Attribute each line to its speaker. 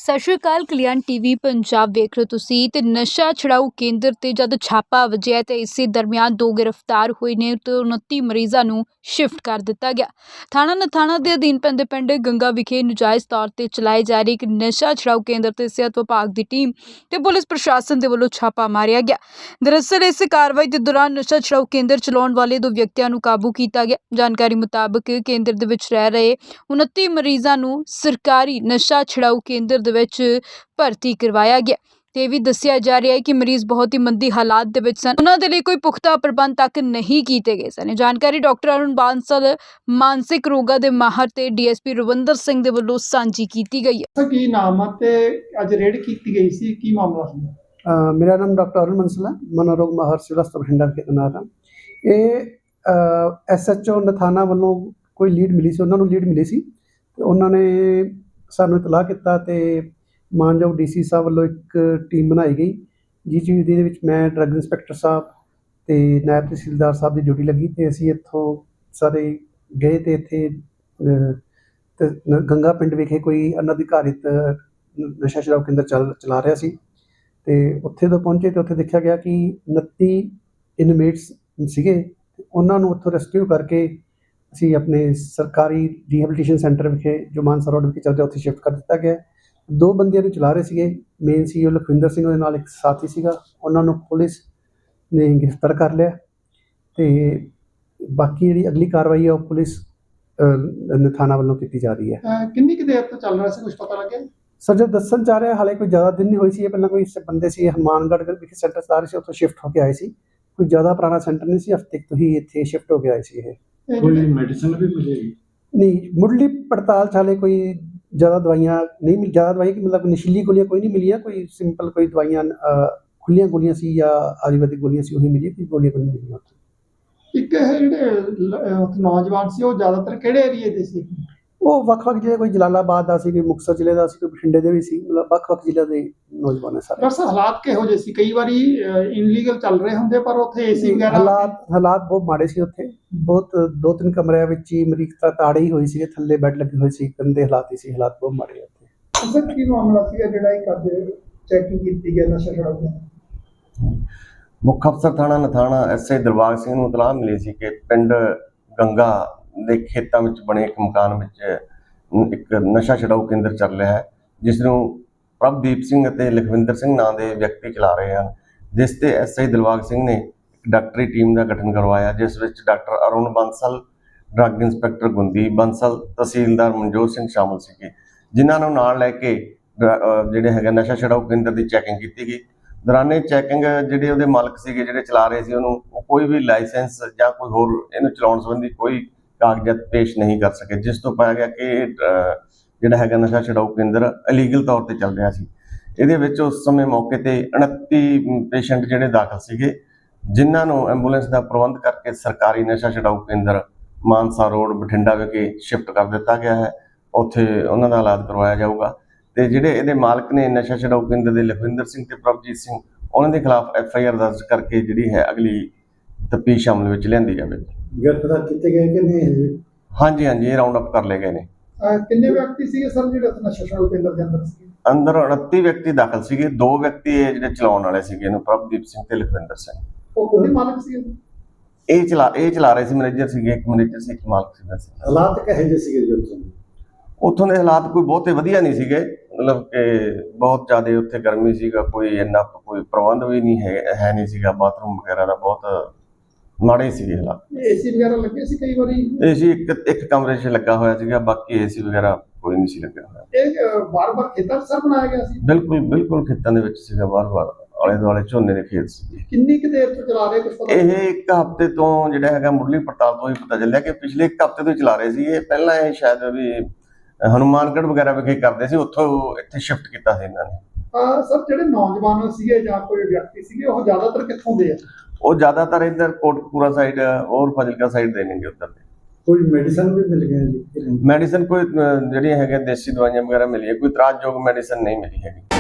Speaker 1: ਸਤਿ ਸ਼੍ਰੀ ਅਕਾਲ। ਕਲਿਆਣ ਟੀਵੀ ਪੰਜਾਬ ਵੇਖ ਰਹੇ ਹੋ ਤੁਸੀਂ ਤੇ ਨਸ਼ਾ ਛੁਡਾਊ ਕੇਂਦਰ ਤੇ ਜਦ ਛਾਪਾ ਵੱਜਿਆ ਤੇ ਇਸੇ ਦਰਮਿਆਨ 2 ਗ੍ਰਿਫਤਾਰ ਹੋਏ ਨੇ ਤੇ 29 ਮਰੀਜ਼ਾਂ ਨੂੰ ਸ਼ਿਫਟ ਕਰ ਦਿੱਤਾ ਗਿਆ। ਥਾਣਾ ਨਥਾਣਾ ਦੇ ਅਧੀਨ ਪੈਂਦੇ ਪਿੰਡ ਗੰਗਾ ਵਿਖੇ ਨਜਾਇਜ਼ ਤੌਰ ਤੇ ਚਲਾਏ ਜਾ ਰਹੇ ਇੱਕ ਨਸ਼ਾ ਛੁਡਾਊ ਕੇਂਦਰ ਤੇ ਸਿਹਤ ਵਿਭਾਗ ਦੀ ਟੀਮ ਤੇ ਪੁਲਿਸ ਪ੍ਰਸ਼ਾਸਨ ਦੇ ਵੱਲੋਂ ਛਾਪਾ ਮਾਰਿਆ ਗਿਆ। ਦਰਅਸਲ ਇਸ ਕਾਰਵਾਈ ਦੇ ਦੌਰਾਨ ਨਸ਼ਾ ਛੁਡਾਊ ਕੇਂਦਰ ਚਲਾਉਣ ਵਾਲੇ 2 ਵਿਅਕਤੀਆਂ ਨੂੰ ਕਾਬੂ ਕੀਤਾ ਗਿਆ। ਜਾਣਕਾਰੀ ਮੁਤਾਬਕ ਕੇਂਦਰ ਦੇ ਵਿੱਚ ਰਹਿ ਰਹੇ 29 ਮਰੀਜ਼ਾਂ ਨੂੰ ਸਰਕਾਰੀ ਨਸ਼ਾ ਛੁਡਾਊ ਕੇਂਦਰ ਦੇ ਵਿੱਚ ਭਰਤੀ ਕਰਵਾਇਆ ਗਿਆ ਤੇ ਵੀ ਦੱਸਿਆ ਜਾ ਰਿਹਾ ਹੈ ਕਿ ਮਰੀਜ਼ ਬਹੁਤ ਹੀ ਮੰਦੀ ਹਾਲਾਤ ਦੇ ਵਿੱਚ ਸਨ। ਉਹਨਾਂ ਦੇ ਲਈ ਕੋਈ ਪੁਖਤਾ ਪ੍ਰਬੰਧ ਤੱਕ ਨਹੀਂ ਕੀਤੇ ਗਏ ਸਨ। ਜਾਣਕਾਰੀ ਡਾਕਟਰ ਅਰੁਣ ਬਾਂਸਲ ਮਾਨਸਿਕ ਰੋਗਾਂ ਦੇ ਮਾਹਰ ਤੇ ਡੀਐਸਪੀ ਰਵਿੰਦਰ ਸਿੰਘ ਦੇ ਵੱਲੋਂ ਸਾਂਝੀ ਕੀਤੀ ਗਈ ਹੈ।
Speaker 2: ਕੀ ਨਾਮ ਹੈ ਤੇ ਅੱਜ ਰੇਡ ਕੀਤੀ ਗਈ ਸੀ, ਕੀ ਮਾਮਲਾ ਸੀ?
Speaker 3: ਮੇਰਾ ਨਾਮ ਡਾਕਟਰ ਅਰੁਣ ਬਾਂਸਲ ਹੈ, ਮਨੋਰੋਗ ਮਾਹਰ ਸਿਵਲ ਹਸਪਤਾਲ ਬਠਿੰਡਾ ਦੇ ਤੈਨਾਤ ਹਾਂ। ਇਹ ਐਸਐਚਓ ਨਥਾਣਾ ਵੱਲੋਂ ਕੋਈ ਲੀਡ ਮਿਲੀ ਸੀ, ਉਹਨਾਂ ਨੂੰ ਲੀਡ ਮਿਲੀ ਸੀ ਤੇ ਉਹਨਾਂ ਨੇ ਸਾਨੂੰ ਇਤਲਾਹ ਕੀਤਾ ਤੇ ਮਾਨਯੋਗ ਡੀਸੀ ਸਾਹਿਬ ਵੱਲੋਂ ਇੱਕ ਟੀਮ ਬਣਾਈ ਗਈ, ਜਿਹਦੇ ਵਿੱਚ ਮੈਂ ਡਰੱਗ ਇੰਸਪੈਕਟਰ ਸਾਹਿਬ ਤੇ ਨਾਇਬ ਤਹਿਸੀਲਦਾਰ ਸਾਹਿਬ ਦੀ ਡਿਊਟੀ ਲੱਗੀ ਤੇ ਅਸੀਂ ਇੱਥੋਂ ਸਾਰੇ ਗਏ ਤੇ ਇੱਥੇ ਗੰਗਾ ਪਿੰਡ ਵਿਖੇ ਕੋਈ ਅਨਅਧਿਕਾਰਿਤ ਨਸ਼ਾ ਛੁਡਾਊ ਕੇਂਦਰ ਚਲਾ ਰਿਹਾ ਸੀ ਤੇ ਉੱਥੇ ਤੋਂ ਪਹੁੰਚੇ ਤੇ ਉੱਥੇ ਦੇਖਿਆ ਗਿਆ ਕਿ 29 ਇਨਮੇਟਸ ਸੀਗੇ। ਉਹਨਾਂ ਨੂੰ ਉੱਥੋਂ ਰੈਸਕਿਊ ਕਰਕੇ ਅਸੀਂ ਆਪਣੇ ਸਰਕਾਰੀ ਰੀਹੈਬਿਲਿਟੇਸ਼ਨ ਸੈਂਟਰ ਵਿਖੇ ਜੋ ਮਾਨਸਾ ਰੋਡ ਵਿਖੇ ਚੱਲਦਾ ਉੱਥੇ ਸ਼ਿਫਟ ਕਰ ਦਿੱਤਾ ਗਿਆ। 2 ਬੰਦਿਆਂ ਨੂੰ ਚਲਾ ਰਹੇ ਸੀਗੇ, ਮੇਨ ਸੀ ਲਖਵਿੰਦਰ ਸਿੰਘ, ਉਹਦੇ ਨਾਲ ਇੱਕ ਸਾਥੀ ਸੀਗਾ। ਉਹਨਾਂ ਨੂੰ ਪੁਲਿਸ ਨੇ ਗ੍ਰਿਫਤਾਰ ਕਰ ਲਿਆ ਤੇ ਬਾਕੀ ਜਿਹੜੀ ਅਗਲੀ ਕਾਰਵਾਈ ਹੈ ਉਹ ਪੁਲਿਸ ਥਾਣਾ ਵੱਲੋਂ ਕੀਤੀ ਜਾ ਰਹੀ ਹੈ।
Speaker 2: ਕਿੰਨੀ ਕੁ ਦੇਰ ਤੋਂ ਚੱਲ ਰਿਹਾ ਸੀ, ਕੁਝ ਪਤਾ ਲੱਗਿਆ?
Speaker 3: ਸਰ ਜੋ ਦੱਸਣ ਚਾਹ ਰਿਹਾ, ਹਾਲੇ ਕੋਈ ਜ਼ਿਆਦਾ ਦਿਨ ਨਹੀਂ ਹੋਈ ਸੀ। ਇਹ ਪਹਿਲਾਂ ਕੋਈ ਬੰਦੇ ਸੀ ਹਨੂੰਮਾਨਗੜ੍ਹ ਵਿਖੇ ਸੈਂਟਰ ਚਲਾ ਰਹੇ ਸੀ, ਉੱਥੋਂ ਸ਼ਿਫਟ ਹੋ ਕੇ ਆਏ ਸੀ। ਕੋਈ ਜ਼ਿਆਦਾ ਪੁਰਾਣਾ ਸੈਂਟਰ ਨਹੀਂ ਸੀ, ਹਫ਼ਤੇ ਤੋਂ ਹੀ ਇੱਥੇ ਸ਼ਿਫਟ ਹੋ ਕੇ ਆਏ ਸੀ। ਇਹ
Speaker 2: ਕੋਈ ਮੈਡੀਸਨ ਵੀ ਮਿਲੇਗੀ?
Speaker 3: ਨਹੀਂ, ਮੁੱਢਲੀ ਪੜਤਾਲ 'ਚ ਹਾਲੇ ਕੋਈ ਜ਼ਿਆਦਾ ਦਵਾਈਆਂ ਨਹੀਂ ਮਿਲੀ। ਜ਼ਿਆਦਾ ਦਵਾਈ ਮਤਲਬ ਨਸ਼ੀਲੀ ਗੋਲੀਆਂ ਕੋਈ ਨਹੀਂ ਮਿਲੀਆਂ, ਕੋਈ ਸਿੰਪਲ ਕੋਈ ਦਵਾਈਆਂ ਖੁੱਲੀਆਂ ਗੋਲੀਆਂ ਸੀ ਜਾਂ ਆਯੁਰਵੈਦਿਕ ਗੋਲੀਆਂ ਸੀ ਉਹੀ ਮਿਲੀ, ਕੋਈ ਗੋਲੀਆਂ ਕੋਈ ਨਹੀਂ ਮਿਲੀਆਂ ਉੱਥੇ।
Speaker 2: ਇੱਕ ਇਹ ਜਿਹੜੇ ਨੌਜਵਾਨ ਸੀ ਉਹ ਜ਼ਿਆਦਾਤਰ ਕਿਹੜੇ ਏਰੀਏ ਦੇ ਸੀ?
Speaker 3: ਉਹ ਵੱਖ-ਵੱਖ ਜ਼ਿਲ੍ਹੇ, ਕੋਈ ਜਲਾਲਾਬਾਦ ਦਾ ਸੀ, ਕੋਈ ਮੁਕਤਸਰ ਜ਼ਿਲ੍ਹੇ ਦਾ ਸੀ, ਕੋਈ ਬਠਿੰਡੇ ਦੇ ਵੀ ਸੀ, ਮਤਲਬ ਵੱਖ-ਵੱਖ ਜ਼ਿਲ੍ਹਿਆਂ ਦੇ ਨੌਜਵਾਨ ਸਾਰੇ।
Speaker 2: ਡਾਕਟਰ ਹਾਲਾਤ ਕਿਹੋ ਜਿਹੇ ਸੀ? ਕਈ ਵਾਰੀ ਇਨਲੀਗਲ ਚੱਲ ਰਹੇ ਹੁੰਦੇ ਪਰ ਉੱਥੇ ਏਸੀ ਵਗੈਰਾ
Speaker 3: ਹਾਲਾਤ ਬਹੁਤ ਮਾੜੇ ਸੀ ਉੱਥੇ। ਬਹੁਤ 2-3 ਕਮਰਿਆਂ ਵਿੱਚ ਹੀ ਮਰੀਜ਼ ਤਾਂ ਤਾੜੇ ਹੀ ਹੋਈ ਸੀਗੇ, ਥੱਲੇ ਬੈੱਡ ਲੱਗੇ ਹੋਏ ਸੀ, ਗੰਦੇ ਹਾਲਾਤ ਹੀ ਸੀ, ਹਾਲਾਤ ਬਹੁਤ ਮਾੜੇ ਉੱਥੇ।
Speaker 2: ਸਰ ਕੀ ਮਾਮਲਾ ਸੀਗਾ ਜਿਹੜਾ ਇੱਕ ਅੱਜ ਚੈਕਿੰਗ ਕੀਤੀ ਗਿਆ ਨਸ਼ਾ ਛੁਡਾਊ?
Speaker 4: ਮੁੱਖ ਅਫਸਰ ਥਾਣਾ ਨਥਾਣਾ ਐਸਆਈ ਦਿਲਬਾਗ ਸਿੰਘ ਨੂੰ ਇਤਲਾਹ ਮਿਲੀ ਸੀ ਕਿ ਪਿੰਡ ਗੰਗਾ ਦੇ ਖੇਤਾਂ ਵਿੱਚ ਬਣੇ ਇੱਕ ਮਕਾਨ ਵਿੱਚ ਇੱਕ ਨਸ਼ਾ ਛੁਡਾਊ ਕੇਂਦਰ ਚੱਲ ਰਿਹਾ ਹੈ, ਜਿਸ ਨੂੰ ਪ੍ਰਭਦੀਪ ਸਿੰਘ ਅਤੇ ਲਖਵਿੰਦਰ ਸਿੰਘ ਨਾਂ ਦੇ ਵਿਅਕਤੀ ਚਲਾ ਰਹੇ ਹਨ। ਜਿਸ ਤੇ ਐਸਆਈ ਦਿਲਬਾਗ ਸਿੰਘ ਨੇ ਇੱਕ ਡਾਕਟਰੀ ਟੀਮ ਦਾ ਗਠਨ ਕਰਵਾਇਆ, ਜਿਸ ਵਿੱਚ doctor Arun Bansal, drug inspector ਗੁੰਦੀ ਬਾਂਸਲ, ਤਹਿਸੀਲਦਾਰ ਮਨਜੋਤ ਸਿੰਘ ਸ਼ਾਮਲ ਸੀਗੇ, ਜਿਨ੍ਹਾਂ ਨੂੰ ਨਾਲ ਲੈ ਕੇ ਜਿਹੜੇ ਹੈਗਾ ਨਸ਼ਾ ਛੁਡਾਊ ਕੇਂਦਰ ਦੀ ਚੈਕਿੰਗ ਕੀਤੀ ਗਈ। ਦੌਰਾਨੇ ਚੈਕਿੰਗ ਜਿਹੜੇ ਉਹਦੇ ਮਾਲਕ ਸੀਗੇ, ਜਿਹੜੇ ਚਲਾ ਰਹੇ ਸੀ, ਉਹਨੂੰ ਕੋਈ ਵੀ ਲਾਇਸੈਂਸ ਜਾਂ ਕੋਈ ਹੋਰ ਇਹਨੂੰ ਚਲਾਉਣ ਸੰਬੰਧੀ ਕੋਈ ਕਾਗਜ਼ਾਤ ਪੇਸ਼ ਨਹੀਂ ਕਰ ਸਕੇ, ਜਿਸ ਤੋਂ ਪਾਇਆ ਗਿਆ ਕਿ ਜਿਹੜਾ ਹੈਗਾ ਨਸ਼ਾ ਛੁਡਾਊ ਕੇਂਦਰ ਇਲੀਗਲ ਤੌਰ ਤੇ ਚੱਲ ਰਿਹਾ ਸੀ। ਇਹਦੇ ਵਿੱਚ ਉਸ ਸਮੇਂ ਮੌਕੇ ਤੇ 29 ਪੇਸ਼ੈਂਟ ਜਿਹੜੇ ਦਾਖਲ ਸੀਗੇ, ਜਿਨ੍ਹਾਂ ਨੂੰ ਐਂਬੂਲੈਂਸ ਦਾ ਪ੍ਰਬੰਧ ਕਰਕੇ ਸਰਕਾਰੀ ਨਸ਼ਾ ਛੁਡਾਊ ਕੇਂਦਰ ਮਾਨਸਾ ਰੋਡ ਬਠਿੰਡਾ ਵਿਖੇ ਸ਼ਿਫਟ ਕਰ ਦਿੱਤਾ ਗਿਆ ਹੈ। ਉੱਥੇ ਉਹਨਾਂ ਦਾ ਇਲਾਜ ਕਰਵਾਇਆ ਜਾਊਗਾ ਤੇ ਜਿਹੜੇ ਇਹਦੇ ਮਾਲਕ ਨੇ ਨਸ਼ਾ ਛੁਡਾਊ ਕੇਂਦਰ ਦੇ ਲਖਵਿੰਦਰ ਸਿੰਘ ਤੇ ਪ੍ਰਭਜੀਤ ਸਿੰਘ, ਉਹਨਾਂ ਦੇ ਖਿਲਾਫ FIR ਦਰਜ ਕਰਕੇ ਜਿਹੜੀ ਹੈ ਅਗਲੀ ਤਫਤੀਸ਼ ਅਮਲ ਵਿੱਚ ਲਿਆਂਦੀ ਜਾਵੇਗੀ।
Speaker 3: ਗ੍ਰਿਫਤਾਰ ਕੀਤੇ ਗਏ ਕਿ ਨਹੀਂ?
Speaker 4: ਹਾਂਜੀ, ਇਹ ਰਾਉਂਡ ਅਪ ਕਰ ਲਏ ਗਏ ਨੇ।
Speaker 2: ਕਿੰਨੇ ਵਿਅਕਤੀ ਸੀਗੇ ਸਰ ਜਿਹੜੇ ਨਸ਼ਾ ਛੁਡਾਊ ਕੇਂਦਰ ਦੇ ਅੰਦਰ ਸੀ?
Speaker 4: ਅੰਦਰ 29 ਵਿਅਕਤੀ ਦਾਖਲ ਸੀਗੇ। 2 ਵਿਅਕਤੀ ਇਹ ਜਿਹੜੇ ਚਲਾਉਣ ਵਾਲੇ ਸੀਗੇ, ਇਹਨੂੰ ਪ੍ਰਭਦੀਪ ਸਿੰਘ ਤੇ ਲਖਵਿੰਦਰ ਸਿੰਘ।
Speaker 2: ਉਹ ਉਹਦੇ ਮਾਲਕ ਸੀ?
Speaker 4: ਇਹ ਚਲਾ ਰਹੇ ਸੀ, ਮੈਨੇਜਰ ਸੀਗੇ, ਇੱਕ ਮੈਨੇਜਰ ਸੀ, ਇੱਕ ਮਾਲਕ ਸੀਗਾ।
Speaker 3: ਹਾਲਾਤ ਕਿਹੋ ਜਿਹੇ ਸੀਗੇ ਜੀ
Speaker 4: ਉੱਥੋਂ ਦੇ ਹਾਲਾਤ ਕੋਈ ਬਹੁਤੇ ਵਧੀਆ ਨਹੀਂ ਸੀਗੇ, ਮਤਲਬ ਕਿ ਬਹੁਤ ਜ਼ਿਆਦਾ ਉੱਥੇ ਗਰਮੀ ਸੀਗਾ, ਕੋਈ ਇੰਨਾ ਕੋਈ ਪ੍ਰਬੰਧ ਵੀ ਨਹੀਂ ਹੈ ਨਹੀਂ ਸੀਗਾ, ਬਾਥਰੂਮ ਵਗੈਰਾ ਦਾ ਬਹੁਤ ਮਾੜੇ ਸੀਗੇ ਹਾਲਾਤ।
Speaker 2: ਏਸੀ ਵਗੈਰਾ ਲੱਗੇ ਸੀ? ਕਈ ਵਾਰੀ
Speaker 4: ਏਸੀ ਇੱਕ ਕਮਰੇ 'ਚ ਲੱਗਾ ਹੋਇਆ ਸੀਗਾ, ਬਾਕੀ ਏਸੀ ਵਗੈਰਾ ਕੋਈ ਨਹੀਂ ਸੀ ਲੱਗਿਆ ਹੋਇਆ।
Speaker 2: ਇਹ ਵਾਰ-ਵਾਰ ਖੇਤਾਂ 'ਚ ਸਰ ਬਣਾਇਆ ਗਿਆ ਸੀ?
Speaker 4: ਬਿਲਕੁਲ ਖੇਤਾਂ ਦੇ ਵਿੱਚ ਸੀਗਾ, ਵਾਰ-ਵਾਰ ਆਲੇ ਦੁਆਲੇ ਝੋਨੇ ਦੇ ਖੇਤ ਸੀ।
Speaker 2: ਕਿੰਨੀ ਕੁ ਦੇਰ ਤੋਂ ਚਲਾ ਰਹੇ, ਕੁਝ ਪਤਾ?
Speaker 4: ਇਹ 1 ਹਫ਼ਤੇ ਤੋਂ ਜਿਹੜਾ ਹੈਗਾ ਮੁੱਢਲੀ ਪੜਤਾਲ ਤੋਂ ਹੀ ਪਤਾ ਚੱਲਿਆ ਕਿ ਪਿਛਲੇ 1 ਹਫ਼ਤੇ ਤੋਂ ਚਲਾ ਰਹੇ ਸੀ। ਇਹ ਪਹਿਲਾਂ ਇਹ ਸ਼ਾਇਦ ਵੀ ਹਨੂੰਮਾਨਗੜ੍ਹ ਵਗੈਰਾ ਵਿਖੇ ਕਰਦੇ ਸੀ, ਉੱਥੋਂ ਇੱਥੇ ਸ਼ਿਫਟ ਕੀਤਾ ਸੀ ਇਹਨਾਂ ਨੇ।
Speaker 2: ਸਰ ਜਿਹੜੇ ਨੌਜਵਾਨ ਸੀਗੇ ਜਾਂ ਕੋਈ ਵਿਅਕਤੀ ਸੀਗੇ, ਉਹ ਜ਼ਿਆਦਾਤਰ ਕਿੱਥੋਂ ਦੇ ਆ?
Speaker 4: ਉਹ ਜ਼ਿਆਦਾਤਰ ਇੱਧਰ ਕੋਟਕਪੂਰਾ ਸਾਈਡ ਔਰ ਫਾਜ਼ਿਲਕਾ ਸਾਈਡ ਦੇ ਨੇਗੇ ਉੱਧਰ ਦੇ।
Speaker 3: ਕੋਈ ਮੈਡੀਸਨ ਵੀ ਮਿਲ ਗਈ?
Speaker 4: ਮੈਡੀਸਨ ਕੋਈ ਜਿਹੜੀਆਂ ਹੈਗੀਆਂ ਦੇਸੀ ਦਵਾਈਆਂ ਵਗੈਰਾ ਮਿਲੀਆਂ, ਕੋਈ ਇਤਰਾਜ਼ਯੋਗ ਮੈਡੀਸਨ ਨਹੀਂ ਮਿਲੀ ਹੈਗੀ।